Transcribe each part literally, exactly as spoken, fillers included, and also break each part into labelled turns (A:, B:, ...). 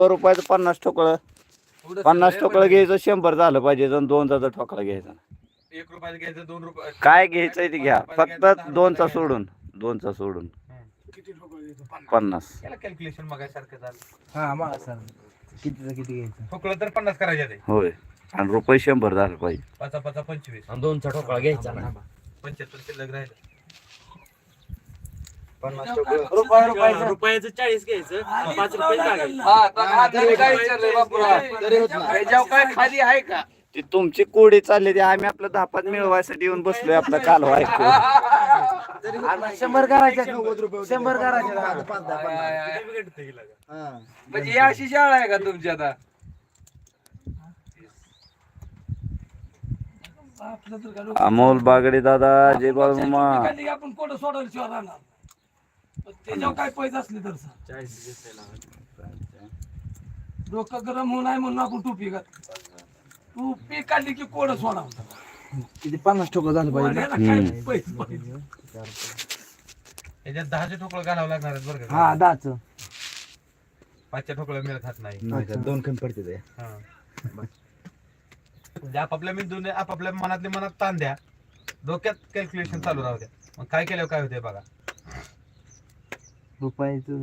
A: रुपयाचं पन्नास ठोकळं पन्नास ठोकळं घ्यायचं शंभर झालं पाहिजे जण दोनचा ठोकळा घ्यायचा
B: एक रुपयाचं घ्यायचं दोन रुपये
A: काय घ्यायचंय ते घ्या फक्त दोनचा सोडून दोनचा सोडून पन्नास
B: कॅल्क्युलेशन मगासारखं झालं.
C: हा मग सर कितीचं किती घ्यायचं
B: ठोकळं तर पन्नास करायचे ते
A: होय आणि रुपये शंभर झालं पाहिजे
B: पाचा पाचा पंचवीस
C: आणि दोनचा ठोकळा घ्यायचा ना
B: पंच्याहत्तर शिल्लक राहिलं.
C: पन्नास रुपये रुपये रुपयाचं चाळीस घ्यायचं पाच रुपये
D: काय खाली आहे का
A: ती तुमची कोडी चालली ती आम्ही आपलं दहापात मिळवायसाठी येऊन बसलोय आपलं काल ऐकू
C: शंभर करायचे शंभर करायचे
D: म्हणजे या अशी शाळा आहे का तुमची आता
A: अमोल बागडे दादा जय बाळूमामा
E: आपण कोण सोडायला राहणार त्याच्यावर काय पैसे असले तर डोकं गरम होऊ नाही म्हणून आपण टोपी घात टोपी काढली की कोड सोडा
C: किती पन्नास ठोकळा झालं पाहिजे
E: पैसे पाहिजे
B: याच्यात दहाचे ठोकळं घालावं लागणार आहेत बरं का.
C: हा दहाच
B: पाचच्या ठोकळं मिळत खात नाही.
C: दोन कमी पडते ते
B: हा. म्हणजे आपापल्या मेंदूने आपापल्या मनातले मनात ताण द्या डोक्यात कॅल्क्युलेशन चालू राहू द्या मग काय केल्यावर काय होते बघा.
C: रुपयाचं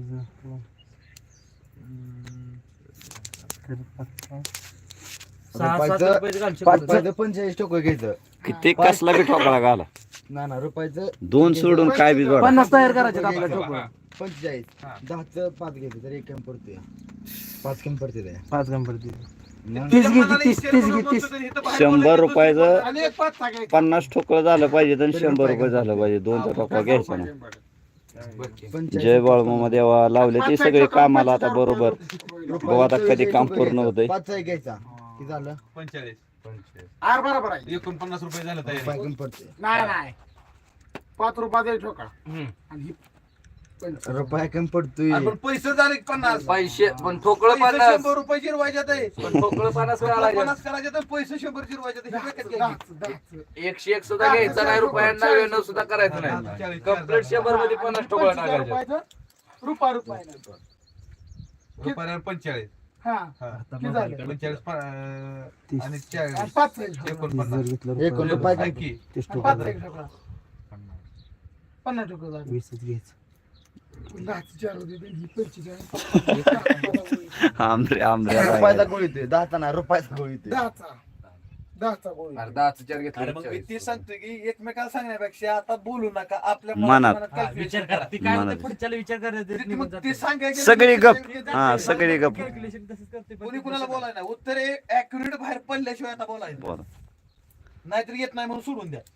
C: पंचेचाळीस ठोकळं घ्यायचं
A: किती कसला बी ठोकळा घाला
C: ना ना रुपयाचं
A: दोन सोडून काय बी जोडा
C: पन्नास तयार करायचे आपल्या ठोकळा
F: पंचेचाळीस
B: हा.
F: दहाचं पाच घ्यायचं तर एक कमी पडते पाच कमी पडते ते
C: पाच कमी पडते
B: तुझ्या
C: तीस घे
B: मनाला
C: तीस
B: इच्छा
C: तीस
B: करून
C: घे तीस
B: बसतो तर इथं बाहेर
A: शंभर
B: बोलायचं
A: रुपयाचं
E: आणि एक पाच टाकायचं
A: पन्नास ठोकळं झालं पाहिजे आणि शंभर रुपये झालं पाहिजे दोनचा ठोकळा घ्यायचा ना जय बाळूमामा देवा लावले ते सगळे कामाला आता बरोबर बघू आता कधी काम पूर्ण होतंय
F: पाचचा एक घ्यायचा किती झालं
B: पंचेचाळीस पंचेचाळीस
E: आर बरोबर आहे
B: एकोणपन्नास रुपये झालं
F: पाच
B: तयारी
F: कमी पडते
E: नाही नाही पाच रुपयाचा एक ठोका आणि ही पंचवीस.
F: रुपया कमी पडतोय
B: अरे पण पैसे झाले की पन्नास
D: पैसे पण ठोकळं
B: पैसे
D: पन्नास
B: शंभर रुपये जिरवायच्यात आहे.
D: पण ठोकळं पन्नास
B: ठोकळं
D: करायचे
B: पन्नास करायचे तर पैसे शंभर जिरवायचे तर हे डोक्यात घ्यायचे.
E: दहाचं, दहाचं.
D: एकशे एक सुद्धा घ्यायचं नाही रुपयांना नव्याण्णव सुद्धा करायचं नाही कम्प्लीट शंभर मध्ये पन्नास ठोकळं
E: पंचवीस
D: टाकायचे
E: रुपयाचं, रुपया रुपयाला.
B: रुपयाला पंचेचाळीस
E: हा
B: हा.
E: किती झालं?
B: पंचेचाळीस प- अं, आणि चाळीस
E: आणि पाचचा एक ठोका.
B: एकोणपन्नास
F: एक रुपया कमी
B: ऐकी.
E: आणि पाचचा एक ठोका. पन्नास ठोका झाले.
C: वीसच घ्यायचं
E: दहाचं चार होते तर ही पंचेचाळीस.
A: आमरे आमरे
F: रुपयाचा गोळी येतोय दहाचा नाही रुपयाचा गोळी येतोय
E: दहाचा दहाचा गोळी.
D: अरे दहाचं चार
B: अरे
D: घेतलं
B: मग मी ते सांगतोय की एकमेकाला सांगण्यापेक्षा आता बोलू नका आपल्या
A: मनात.
B: calculation करा.
C: ती काय
A: मनात.
C: म्हणते पुढच्याला विचार करायचं
B: ते- मग ते सांगायचं
A: सगळी गप हा सगळी गप
C: कॅल्क्युलेशन तसंच करते
B: कोणी कुणाला बोलायला नाही उत्तरे ऍक्युरेट बाहेर पडल्याशिवाय आता बोलायचं
A: बरं.
B: नाहीतर येत नाही म्हणून सोडून द्या.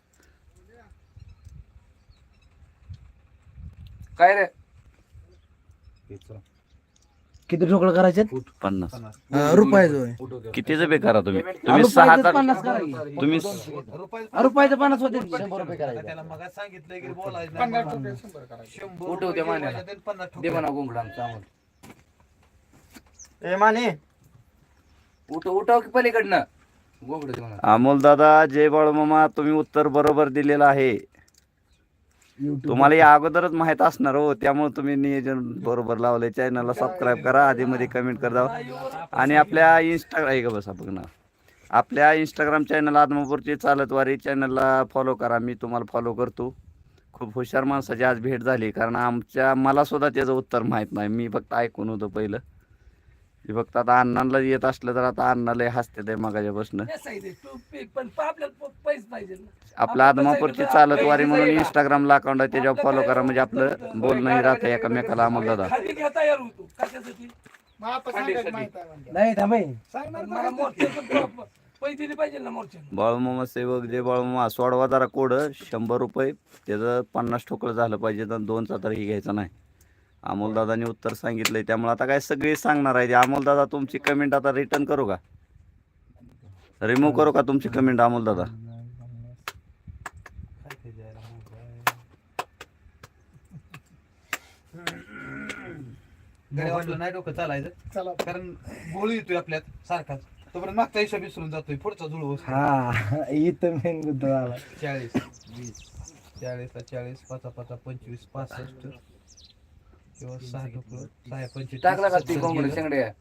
D: काय रे
C: किती ठोकळं करायचे
A: पन्नास
C: रुपयाचं
A: कितीच बे करा तुम्ही तुम्ही सहा
C: रुपयाचं
A: तर
C: पन्नास करायचे
A: तुम्ही
B: रुपये
C: रुपयाचं पन्नास होते
F: शंभर रुपये करायचे
B: त्याला मग सांगितलं की बोलायचं नाही
E: पन्नास
B: म्हणून.
E: ठोके शंभर करायचे.
B: शंभर
D: उठव
B: रुपये
D: त्या मान्याला.
B: जिरवायचे तर पन्नास
D: दे
B: ठोके.
D: म्हणा गुंगडांचा आम्हाला
C: ए माने
D: उठव उठव की पलीकडनं गोंगड दे म्हणा
A: अमोल दादा जय बाळूमामा तुम्ही उत्तर बरोबर दिलेलं आहे तुम्हाला या अगोदरच माहित असणार हो त्यामुळे तुम्ही नियोजन बरोबर लावले चॅनलला सबस्क्राईब करा आधी मध्ये कमेंट करा आणि आपल्या इंस्टाग्राम आहे का बसा बघणार आपल्या इंस्टाग्राम चॅनल आदमापूरची चालतवारी चॅनलला फॉलो करा मी तुम्हाला फॉलो करतो खूप हुशार माणसाची आज भेट झाली कारण आमच्या मला सुद्धा त्याचं उत्तर माहीत नाही मी फक्त ऐकून होतो पहिलं ते फक्त आता अण्णांना येत असलं तर आता अण्णाला हसते ते मगाच्या बसणं
E: तेच आहे ते. टोपी पण आपल्याला पैसे पाहिजे ना.
A: आपलं आदमापूरची चालतवारी म्हणून इंस्टाग्रामला अकाउंट आहे त्याच्यावर फॉलो करा म्हणजे आपलं बोलणंही राहतं एकमेकाला अमोल दादा
E: खाली घ्या तयार होतो कशासाठी मग आता सांगायचं माहित आहे म्हणजे.
C: नाही थांबे
E: सांगणार मला मोर्चा पैसे दिले पाहिजे ना मोर्चा
A: बाळूमामा सेवक जे बाळूमामा सोडवा जरा कोड शंभर रुपये त्याचं पन्नास ठोकळं झालं पाहिजे तर दोनचा तर ही घ्यायचा नाही अमोलदादांनी उत्तर सांगितलंय त्यामुळे आता काय सगळी सांगणार आहे अमोलदादा तुमची कमेंट आता रिटर्न करू का रिमूव्ह करू का तुमची कमेंट अमोलदादा
B: गड्या वाटलं नाही डोकं चालायचं
E: चला
B: कारण गोळी येतोय आपल्यात सारखाच तोपर्यंत मागचा हिशोब विसरून जातोय पुढचा जुळवून
C: हा इथं मेन मुद्दा आला
B: चाळीस वीस चाळीस चाळीस पाच पाच पंचवीस पासष्ट किंवा सहा ठोकळं, सहा पंचवीस
D: टाकला का ती कोंबडी शेंगड्या